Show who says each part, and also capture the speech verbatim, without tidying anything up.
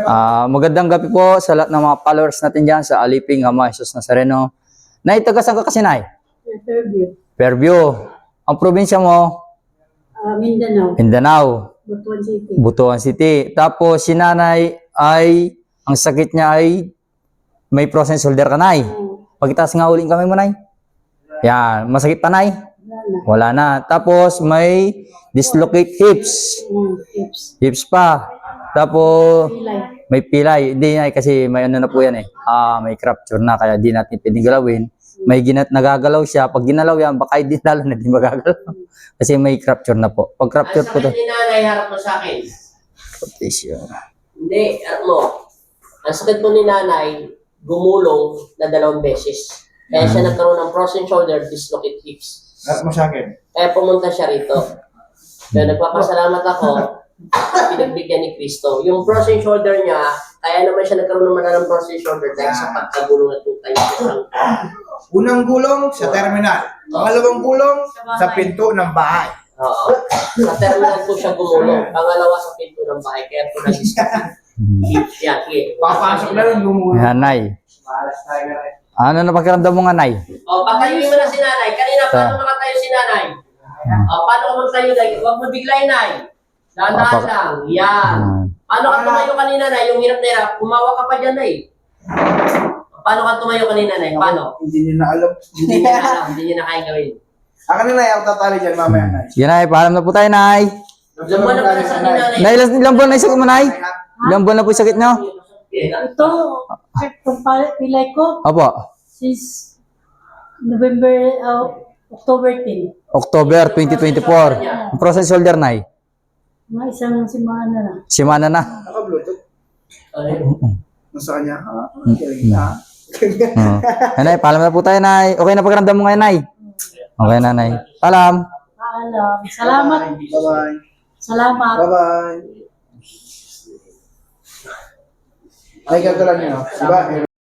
Speaker 1: Ah, magandang gabi po sa lahat ng mga followers natin dyan sa Aliping Ama Jesus Nazareno. Nay, taga saan ka kasi, Nay?
Speaker 2: Fairview.
Speaker 1: Fairview. Ang probinsya mo?
Speaker 2: Uh, Mindanao.
Speaker 1: Mindanao.
Speaker 2: Butuan City.
Speaker 1: Butuan City. Tapos si Nanay ay, ang sakit niya ay may frozen shoulder ka, Nay.
Speaker 2: Uh,
Speaker 1: Pagkitaas nga uling kamay mo, Nay. Yan. Masakit pa, Nay?
Speaker 2: wala na.
Speaker 1: Wala na. Tapos may dislocate hips.
Speaker 2: Uh, tips.
Speaker 1: Hips pa. Tapos
Speaker 2: Pilay.
Speaker 1: may pilay. Hindi na kasi may ano na po yan eh. Ah, may fracture na kaya di natin pwedeng galawin. May ginat nagagalaw siya. Pag ginalaw yan, baka hindi lalo na di magagalaw. Kasi may fracture na po. Pag fracture
Speaker 3: Ang
Speaker 1: po to.
Speaker 3: sakit ni nanay, harap mo sa akin.
Speaker 1: Tissue.
Speaker 3: Hindi, harap mo. Ang sakit mo ni nanay, gumulong na dalawang beses. Kaya siya nagkaroon ng frozen shoulder, dislocate hips.
Speaker 4: Harap mo sa akin.
Speaker 3: Kaya pumunta siya rito. Kaya nagpapasalamat ako, pinagbigyan ni Cristo. Yung frozen shoulder niya, kaya naman siya nagkaroon naman ng frozen shoulder dahil sa pagkagulong at tutay siya.
Speaker 4: Unang gulong sa terminal. Pangalawang gulong sa pinto ng bahay.
Speaker 3: Oo. Sa terminal po siya gumulong. Pangalawa sa pinto ng bahay, kaya po nag-dislocate hips. Yan, sige.
Speaker 4: Papasok na rin gumulong.
Speaker 1: Yan, Nay. Ano na pakiramdam mo nga, Nay?
Speaker 3: O, patayuin mo na si nanay. Kanina, paano makatayo si nanay? O, paano ka magtayo, Nay? Huwag mo biglayin, Nay. Dahan-dahan
Speaker 1: Papa-
Speaker 3: lang. Yan. Paano ka tumayo kanina, Nay? Yung hirap na hirap, kumawa ka pa dyan, Nay. Paano ka tumayo kanina, Nay? Paano?
Speaker 4: Hindi niya na alam.
Speaker 3: Hindi niya na alam. Hindi niya na kaya gawin.
Speaker 4: Akin na na, ako tatali dyan mamaya na.
Speaker 1: Yan, Nay. Paalam na po tayo, Nay.
Speaker 3: Diyan mo na pala sa ni nanay.
Speaker 1: Nay, ilang, ilang buwan na yung sakit mo, Nay? Ilang buwan na po yung sakit nyo?
Speaker 2: Ito, itong pal- pilay ko,
Speaker 1: Opo.
Speaker 2: since November, uh, October tenth.
Speaker 1: October twenty twenty-four. Ang frozen shoulder, Nay.
Speaker 2: Mga isang simana na.
Speaker 1: Simana na.
Speaker 4: Naka-bluetooth. Nasa kanya. Ha?
Speaker 1: Mm.
Speaker 4: Galing na.
Speaker 1: Oo. Yan, Nay. Paalam na po tayo, Nay. Okay na pakiramdam mo ngayon, Nay? Okay na, Nay. Paalam.
Speaker 2: Paalam. Salamat.
Speaker 4: Bye-bye.
Speaker 2: Salamat.
Speaker 4: Bye-bye. Ay, ganito lang yun. Diba?